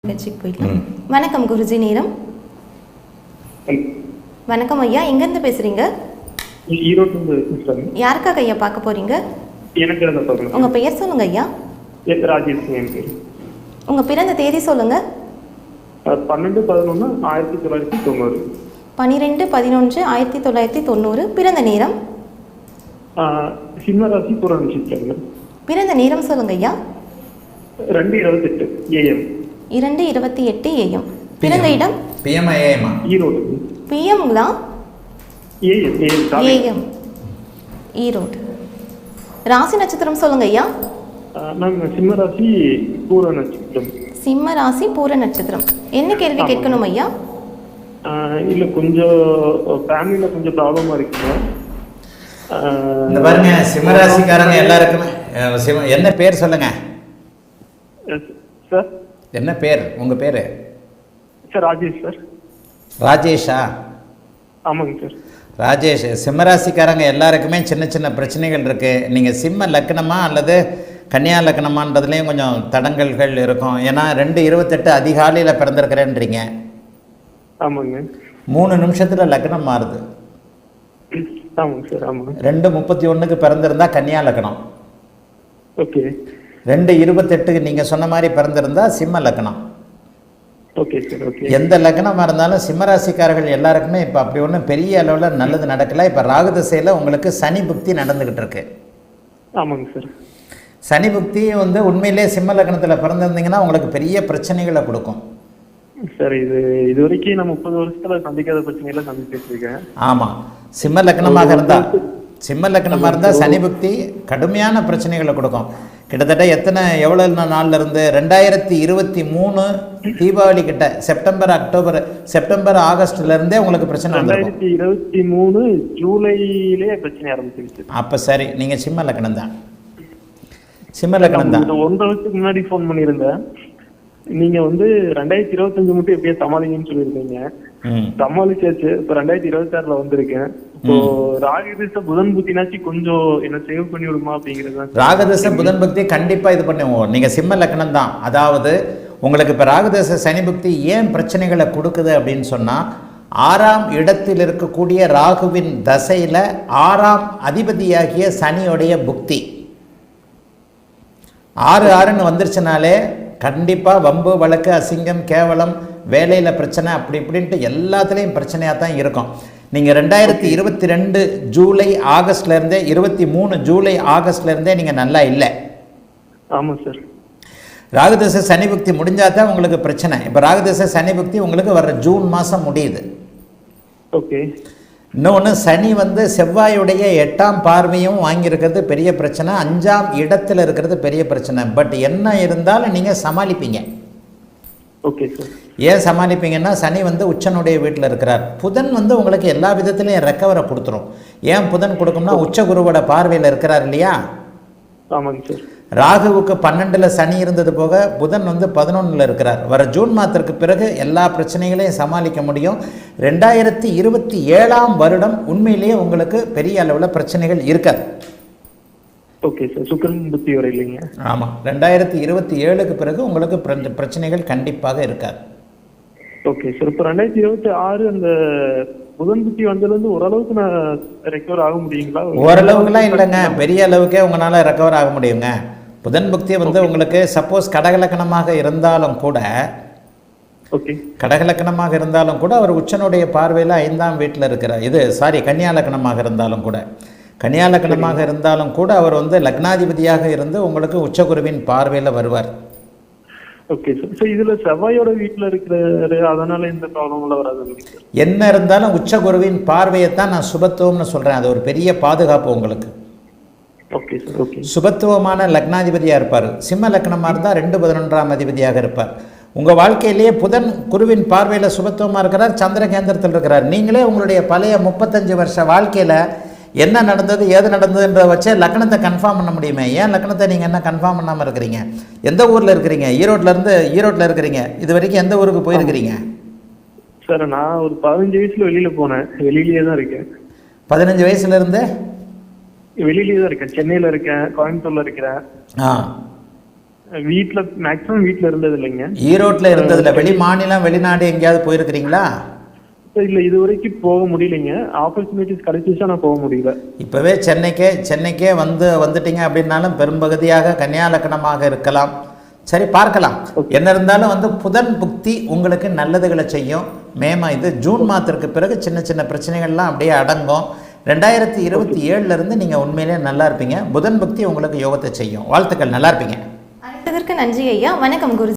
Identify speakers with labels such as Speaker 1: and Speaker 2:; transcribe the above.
Speaker 1: நிகழ்ச்சிக்கு போயிடலாம். வணக்கம் குருஜி. நேரம் வணக்கம் ஐயா. எங்கேருந்து பேசுறீங்க? யாருக்காக ஐயா பார்க்க போறீங்க? உங்க பெயர் சொல்லுங்க ஐயா.
Speaker 2: ராஜேஷ்.
Speaker 1: உங்க பிறந்த தேதி சொல்லுங்க.
Speaker 2: 12/11/1990.
Speaker 1: 12/11/1990. பிறந்த நேரம்?
Speaker 2: சிம்மராசி பூர நட்சத்திரம்.
Speaker 1: பிறந்த நேரம் சொல்லுங்க ஐயா.
Speaker 2: 2:28 AM.
Speaker 1: 2:28 AM. பிறந்த இடம்?
Speaker 3: PM AM.
Speaker 2: Erode.
Speaker 1: PMங்களா?
Speaker 2: AM.
Speaker 1: Erode. ராசி நட்சத்திரம் சொல்லுங்க ஐயா.
Speaker 2: நாங்க சிம்மராசி பூர நட்சத்திரம்.
Speaker 1: சிம்ம ராசி பூர நட்சத்திரம். என்ன கேள்வி கேட்கணும் ஐயா?
Speaker 2: இல்ல கொஞ்சம் ஃபேமிலில கொஞ்சம் ப்ராப்ளமா இருக்குங்க.
Speaker 3: இந்த பாருங்க, சிம்மராசிக்காரங்க எல்லாருக்குமே என்ன பேர் சொல்லுங்க
Speaker 2: சார்.
Speaker 3: என்ன பேர்? உங்க பேரு?
Speaker 2: Sir Rajesh sir.
Speaker 3: ராஜேஷா?
Speaker 2: ஆமாங்க சார்.
Speaker 3: ராஜேஷ். சிம்மராசிக்காரங்க எல்லாருக்குமே சின்ன சின்ன பிரச்சனைகள் இருக்கு. நீங்க சிம்ம லக்னமா அல்லது கன்னியா லக்னமான்றதுலேயும் கொஞ்சம் தடங்கல்கள் இருக்கும். ஏன்னா 2:28 அதிகாலையில் பிறந்திருக்கிறேன்றீங்க.
Speaker 2: ஆமாங்க.
Speaker 3: 3 நிமிஷத்துல லக்னம் மாறுது.
Speaker 2: ஆமாங்க சார். ஆமாங்க.
Speaker 3: 2:31 பிறந்திருந்தா கன்னியா லக்னம்.
Speaker 2: ஓகே.
Speaker 3: 2:28 நீங்க சொன்ன மாதிரி பிறந்திருந்தா சிம்ம லக்னம்.
Speaker 2: Okay sir. ஓகே.
Speaker 3: எந்த லக்னமாக இருந்தாலும் சிம்மராசிக்காரர்கள் எல்லாருக்குமே இப்போ அப்படி ஒன்றும் பெரிய அளவில் நல்லது நடக்கல. இப்போ ராகு திசையில் உங்களுக்கு சனி புக்தி நடந்துக்கிட்டு இருக்கு.
Speaker 2: ஆமாங்க சார்.
Speaker 3: சனி புக்தி உண்மையிலே சிம்ம லக்னத்தில் பிறந்திருந்தீங்கன்னா உங்களுக்கு பெரிய பிரச்சனைகளை கொடுக்கும்
Speaker 2: சார். இது வரைக்கும் நான் 30 வருஷத்துல சந்திக்காத பிரச்சனைகளை சந்திச்சுட்டு இருக்கேன்.
Speaker 3: ஆமாம். சிம்ம லக்னமாக இருந்தால் சனி புக்தி கடுமையான பிரச்சனைகளை கொடுக்கும். கிட்டத்தட்ட எவ்வளோ நாள்ல இருந்து 2023 தீபாவளி கிட்ட செப்டம்பர் ஆகஸ்ட்ல இருந்தே உங்களுக்கு பிரச்சனை வந்துருக்கும்.
Speaker 2: 2023 ஜூலையிலே பிரச்சனை ஆரம்பிச்சிருச்சு.
Speaker 3: அப்ப சரி, நீங்க சிம்ம லக்னம் தான். 1.5
Speaker 2: வருஷத்துக்கு முன்னாடி போன் பண்ணியிருந்தேன். நீங்க 2025 மட்டும் எப்படியா சமாளிங்கன்னு சொல்லியிருந்தீங்க. சமாளிச்சாச்சு. இப்ப 2026ல வந்திருக்கேன். இப்போ ராகதேச புதன் புத்தினாச்சு கொஞ்சம் என்ன சேவ் பண்ணி விடுமா அப்படிங்கிறது.
Speaker 3: ராகதேச புதன் புக்தி கண்டிப்பா இது பண்ணுவோம். நீங்க சிம்ம லக்னம் தான். அதாவது உங்களுக்கு இப்ப ராகதேச சனி புக்தி ஏன் பிரச்சனைகளை கொடுக்குது அப்படின்னு சொன்னா, 6ஆம் இடத்தில் இருக்கக்கூடிய ராகுவின் தசையில 6ஆம் அதிபதியாகிய சனியோடைய புக்தி 6 வந்துருச்சுனாலே கண்டிப்பா வம்பு வழக்கு அசிங்கம் கேவலம் வேலையில் பிரச்சனை அப்படி இப்படின்ட்டு எல்லாத்துலேயும் பிரச்சனையாக தான் இருக்கும். நீங்கள் 2022 ஜூலை ஆகஸ்ட்லேருந்தே 23 ஜூலை ஆகஸ்ட்லேருந்தே நீங்கள் நல்லா இல்லை.
Speaker 2: ஆமாம் சார்.
Speaker 3: ராகுதசை சனி புக்தி முடிஞ்சால் தான் உங்களுக்கு பிரச்சனை. இப்போ ராகுதசை சனி புக்தி உங்களுக்கு வர்ற ஜூன் மாதம் முடியுது.
Speaker 2: ஓகே.
Speaker 3: இன்னொன்று சனி செவ்வாயுடைய 8ஆம் பார்வையும் வாங்கியிருக்கிறது பெரிய பிரச்சனை. 5ஆம் இடத்துல இருக்கிறது பெரிய பிரச்சனை. பட் என்ன இருந்தாலும் நீங்கள் சமாளிப்பீங்க.
Speaker 2: Okay sir.
Speaker 3: ஏன் சமாளிப்பீங்கன்னா சனி உச்சனுடைய வீட்டில் இருக்கிறார். புதன் உங்களுக்கு எல்லா விதத்துலையும் ரெக்கவரை கொடுத்துரும். ஏன் புதன் கொடுக்கும்னா உச்ச குருவோட பார்வையில் இருக்கிறார் இல்லையா.
Speaker 2: ஆமாங்க சார்.
Speaker 3: ராகுவுக்கு 12ல் சனி இருந்தது போக புதன் 11ல் இருக்கிறார். வர ஜூன் மாதத்திற்கு பிறகு எல்லா பிரச்சனைகளையும் சமாளிக்க முடியும். 2027ஆம் வருடம் உண்மையிலேயே உங்களுக்கு பெரிய அளவில் பிரச்சனைகள் இருக்காது.
Speaker 2: Okay sir. சுக்கிரன் புத்தி வர இல்லைங்க.
Speaker 3: ஆமாம். 2027க்கு பிறகு உங்களுக்கு பிரச்சனைகள் கண்டிப்பாக இருக்காது.
Speaker 2: Okay sir. இப்போ 2026 அந்த புதன் புத்தி வந்ததுலேருந்து ஓரளவுக்கு நான் ரெக்கவர் ஆக முடியுங்களா?
Speaker 3: ஓரளவுக்குலாம் இல்லைங்க, பெரிய அளவுக்கே உங்களால் ரெக்கவர் ஆக முடியுங்க. புதன் புக்தி உங்களுக்கு சப்போஸ் கடகலக்கணமாக இருந்தாலும் கூட அவர் உச்சனுடைய பார்வையில் 5ஆம் வீட்டில் இருக்கிறார். கன்னியா லக்னமாக இருந்தாலும் கூட அவர் லக்னாதிபதியாக இருந்து உங்களுக்கு உச்சகுருவின் பார்வையில் வருவார்.
Speaker 2: Okay sir. ஸோ இதில் செவ்வாயோட வீட்டில் இருக்கிறாரு, அதனால இந்த ப்ராப்ளம்லாம் வராது.
Speaker 3: என்ன இருந்தாலும் உச்சகுருவின் பார்வையைத்தான் நான் சுபத்துவம்னு சொல்கிறேன். அது ஒரு பெரிய பாதுகாப்பு உங்களுக்கு.
Speaker 2: Okay sir. ஓகே.
Speaker 3: சுபத்துவமான லக்னாதிபதியாக இருப்பார். சிம்ம லக்னமாக இருந்தால் 2/11ஆம் அதிபதியாக இருப்பார். உங்கள் வாழ்க்கையிலேயே புதன் குருவின் பார்வையில் சுபத்துவமாக இருக்கிறார், சந்திர கேந்திரத்தில் இருக்கிறார். நீங்களே உங்களுடைய பழைய 35 வருஷ வாழ்க்கையில் என்ன நடந்தது ஏது நடந்ததுன்ற வச்சே லக்னத்தை கன்ஃபார்ம் பண்ண முடியுமே. ஏன் லக்னத்தை நீங்கள் என்ன கன்ஃபார்ம் பண்ணாமல் இருக்கிறீங்க? எந்த ஊரில் இருக்கிறீங்க? ஈரோட்டில் இருக்கிறீங்க. இது வரைக்கும் எந்த ஊருக்கு போயிருக்கிறீங்க?
Speaker 2: சார் நான் ஒரு 15 வயசுல வெளியில் போனேன். வெளியிலேயே தான் இருக்கேன்.
Speaker 3: 15 வயசுலேருந்து
Speaker 2: வெளியிலேயே தான் இருக்கேன். சென்னையில் இருக்கேன், கோயம்புத்தூரில் இருக்கிறேன். வீட்ல மேக்ஸிமம் வீட்ல இருந்தது இல்லைங்க.
Speaker 3: ஈரோட்டில் இருந்ததில்ல, வெளி மாநிலம் வெளிநாடு எங்கேயாவது போயிருக்கிறீங்களா?
Speaker 2: இல்ல இது வரைக்கும் போக முடியலைங்க. ஆப்பர்ச்சுனிட்டிஸ் கிடைச்சிச்சா நான் போக முடியல.
Speaker 3: இப்போவே சென்னைக்கே வந்துட்டீங்க அப்படின்னாலும் பெரும்பகுதியாக கன்னியா லக்னமாக இருக்கலாம். சரி, பார்க்கலாம். என்ன இருந்தாலும் புதன் புக்தி உங்களுக்கு நல்லதுகளை செய்யும். ஜூன் மாதத்திற்கு பிறகு சின்ன சின்ன பிரச்சனைகள்லாம் அப்படியே அடங்கும். 2027 இருந்து நீங்கள் உண்மையிலே நல்லா இருப்பீங்க. புதன் புக்தி உங்களுக்கு யோகத்தை செய்யும். வாழ்த்துக்கள், நல்லா இருப்பீங்க.
Speaker 1: அழைத்ததற்கு நன்றி ஐயா. வணக்கம் குரு.